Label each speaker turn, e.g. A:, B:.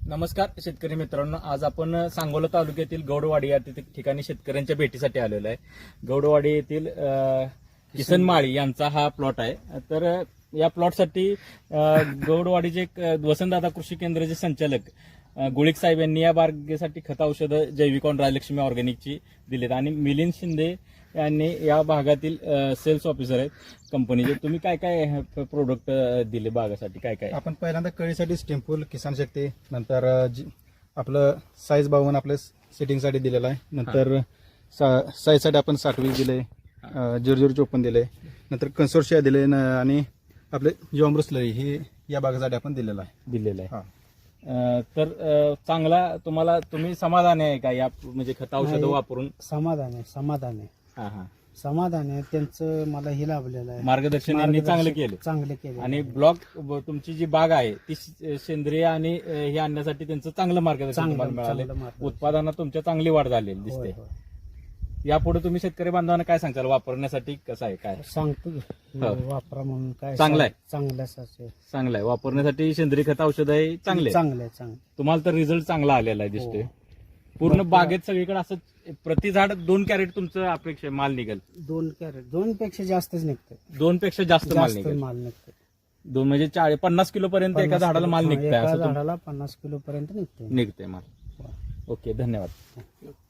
A: नमस्कार शेतकरी मित्रांनो, आज आपण सांगोला तालुक्यातील गौडवाडी या ठिकाणी शेतकऱ्यांच्या भेटीसाठी आलेलो आहे. गौडवाडी येथील किसन माळी यांचा हा प्लॉट आहे. तर या प्लॉटसाठी गौडवाडीचे वसंतदादा कृषी केंद्राचे संचालक गुळिक साहेब यांनी या बागेसाठी खत औषधं जैविकॉन राजलक्ष्मी ऑर्गॅनिकची दिलेत आणि मिलिंद शिंदे यांनी या भागातील सेल्स ऑफिसर आहेत कंपनीचे. तुम्ही काय काय प्रोडक्ट दिले बागासाठी? काय काय
B: आपण पहिल्यांदा कळीसाठी स्टेम्पूल किसान शक्ती, नंतर आपलं साईज 52 आपल्या सेटिंगसाठी दिलेलं आहे. नंतर साईजसाठी आपण 60 दिले, 0054 दिले, नंतर कन्सोर्शिया दिले आणि आपले जीवामृतस्लरी हे या बागासाठी आपण दिलेलं आहे.
A: तर चांगला तुम्ही समाधान आहे का या म्हणजे खत औषधं वापरून?
C: समाधान आहे. समाधान आहे त्यांचं. मला हे लाभलेलं आहे,
A: मार्गदर्शन यांनी चांगलं केलं. आणि ब्लॉक तुमची जी बाग आहे ती सेंद्रिय आणि हे आणण्यासाठी त्यांचं चांगलं मार्गदर्शन तुम्हाला मिळालं. उत्पादनात तुमच्या चांगली वाढ झालेली दिसते. यापुढे तुम्ही शेतकरी बांधवांना काय सांगताल वापरण्यासाठी? कसं आहे काय
C: सांगतो वापरा म्हणून? काय
A: चांगलं आहे,
C: चांगलं आहे
A: वापरण्यासाठी सेंद्रिय खत औषध आहे. चांगलं तुम्हाला तर रिझल्ट चांगला आलेला आहे दिसतोय. पूर्ण बागेत सगळीकडे असं प्रति झाड 2 कॅरेट तुमचं अपेक्षा माल निघेल?
C: 2 कॅरेट, 2 पेक्षा जास्तच निघतं.
A: 2 पेक्षा जास्त माल निघेल. 2 म्हणजे 50 किलो पर्यंत एका झाडाला माल निघतंय?
C: झाडाला 50 किलो पर्यंत निघते
A: माल. ओके, धन्यवाद.